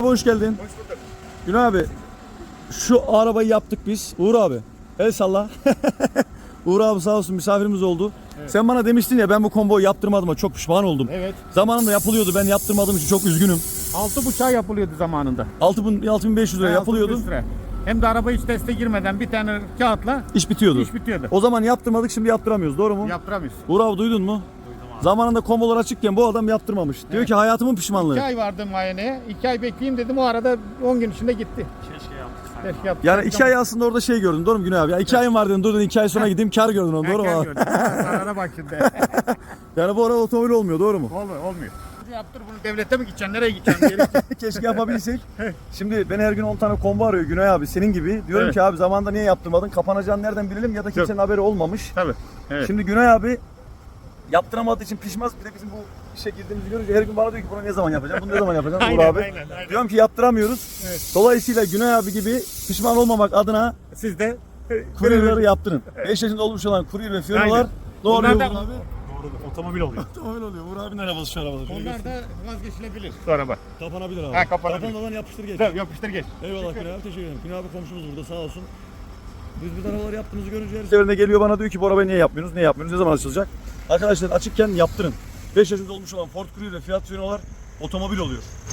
hoş geldin. Hoş bulduk. Günay abi, şu arabayı yaptık biz. Uğur abi, el salla. Uğur abi sağ olsun misafirimiz oldu. Evet. Sen bana demiştin ya ben bu komboyu yaptırmadım, çok pişman oldum. Evet. Zamanında yapılıyordu, ben yaptırmadığım için çok üzgünüm. 6,5 yapılıyordu zamanında. 6500 lira yapılıyordu. 6,5 lira. Hem de araba hiç teste girmeden bir tane kağıtla İş bitiyordu. iş bitiyordu. O zaman yaptırmadık, şimdi yaptıramıyoruz, doğru mu? Yaptıramıyoruz. Uğur abi duydun mu? Zamanında kombolar açıkken bu adam yaptırmamış. Diyor ki hayatımın pişmanlığı. 2 ay vardım muayeneye. 2 ay bekleyeyim dedim. O arada 10 gün içinde gitti. Keşke yaptık. Yani 2 ay aslında orada şey gördün, doğru mu Günay abi? Ya 2 ayım var dedin, dur dedin 2 ay sonra gideyim kar gördün onu, doğru mu abi? Zarara bak şimdi. Yani bu arada otomobil olmuyor, doğru mu? Olmuyor. Yaptır bunu, devlete mi gideceksin? Nereye gideceksin? Geri gideceksin. Keşke yapabilsek. Şimdi beni her gün 10 tane kombo arıyor Günay abi senin gibi. Diyorum Evet. ki abi zamanında niye yaptırmadın? Kapanacağını nereden bilelim ya da kimsenin haberi olmamış. Tabii. Evet. Şimdi Günay abi yaptıramadığı için pişmez. Bir de bizim bu işe girdiğimizi görünce her gün bana diyor ki bunu ne zaman yapacağım? Bunu ne zaman yapacağım? Uğur Aynen, abi. aynen. Diyorum ki yaptıramıyoruz. Evet. Dolayısıyla Günay abi gibi pişman olmamak adına Siz de kuryeleri yaptırın. 5 yaşında olmuş olan kurye ve fiyonalar Aynen. ne oluyor Onlar Uğur da- abi? Doğru, otomobil oluyor. Otomobil oluyor. Uğur abinin arabası şu arabada. onlar da vazgeçilebilir. Bu araba. Kapanabilir abi. Ha, kapanabilir. Kapanmadan yapıştır geç. Tabii, yapıştır geç. Eyvallah Günay abi, teşekkür ederim. Günay abi komşumuz burada, sağ olsun. Biz bu arabaları yaptığımızı görünce her seferinde geliyor bana diyor ki bu arabayı niye yapmıyorsunuz, niye yapmıyorsunuz, ne zaman açılacak? Arkadaşlar açıkken yaptırın. 5 yaşında olmuş olan Ford Courier ve Fiat Fiorino'lar otomobil oluyor.